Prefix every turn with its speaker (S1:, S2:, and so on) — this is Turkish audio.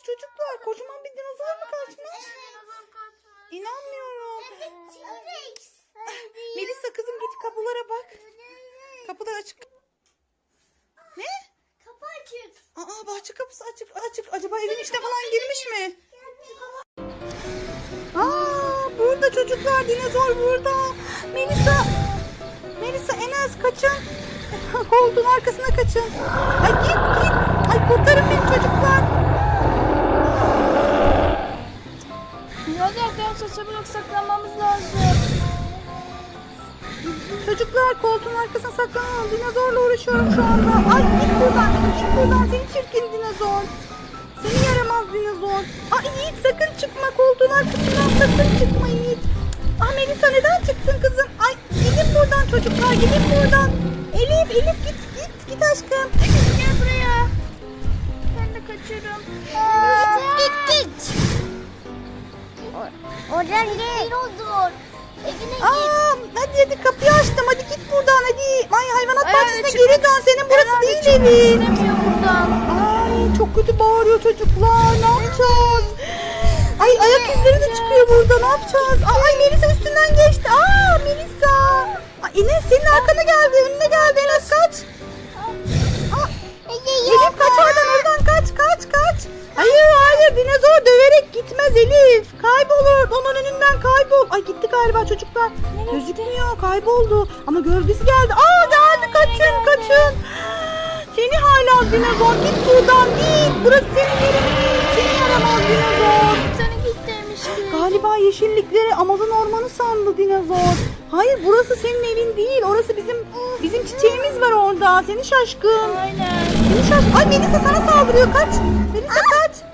S1: çocuklar? Kocaman bir dinozor mu kaçmış?
S2: Dinozor kaçmış.
S1: İnanmıyorum.
S2: T-Rex.
S1: Melisa kızım git kapılara bak. Kapılar açık. Ne?
S2: Kapı açık.
S1: Aa bahçe kapısı açık. Acaba evin içine falan girmiş mi? Aa burada çocuklar, dinozor burada. Melisa Enes kaçın. Koltuğun arkasına kaçın. Ay git. Ay kurtarın beni çocuklar.
S2: Hadi arkadaşlar çabuk saklanmamız lazım.
S1: Çocuklar koltuğun arkasına saklanın. Dinozorla uğraşıyorum şu anda. Ay git buradan seni çirkin dinozor. Seni yaramaz dinozor. Ay Yiğit sakın çıkma, koltuğun arkasından sakın çıkma Yiğit. Ah Melisa neden çıktın kızım? Ay gidin buradan çocuklar, gidin buradan. Elif git aşkım.
S2: Gel buraya. Ben de kaçıyorum. Git. Oradan gel. Dinozor. Evine git.
S1: Aa, hadi kapıyı açtım, hadi git buradan hadi. Ay hayvanat
S2: Ay,
S1: bahçesine
S2: çıkmak-
S1: geri dön, senin burası
S2: Herhalde
S1: değil
S2: çıkmak
S1: evin.
S2: istemiyor buradan.
S1: Ay çok kötü bağırıyor çocuklar, ne yapacağız? Ay ayak izleri de çıkıyor burada, ne yapacağız? Ay Melisa üstünden geçti. Aa Melisa. Ay Enes senin arkana geldi, önüne geldi. Enes kaç. Elif kaç oradan kaç. Hayır dinozor döverek gitmez Elif. Kaybolur, onun önünden kaybol. Ay gitti galiba çocuklar. Gözükmüyor, kayboldu. Ama gölgesi geldi. Aa geldi, kaçın. Seni hala dinozor, git buradan git. Burası senin yerin değil. Seni yaramaz dinozor.
S2: Seni git demişti.
S1: Galiba yeşillikleri Amazon ormanı sandı dinozor. Hayır burası senin evin değil. Orası bizim çiçeğimiz var orada. Seni şaşkın.
S2: Aynen.
S1: Ay Melisa sana saldırıyor. Kaç. Melisa kaç.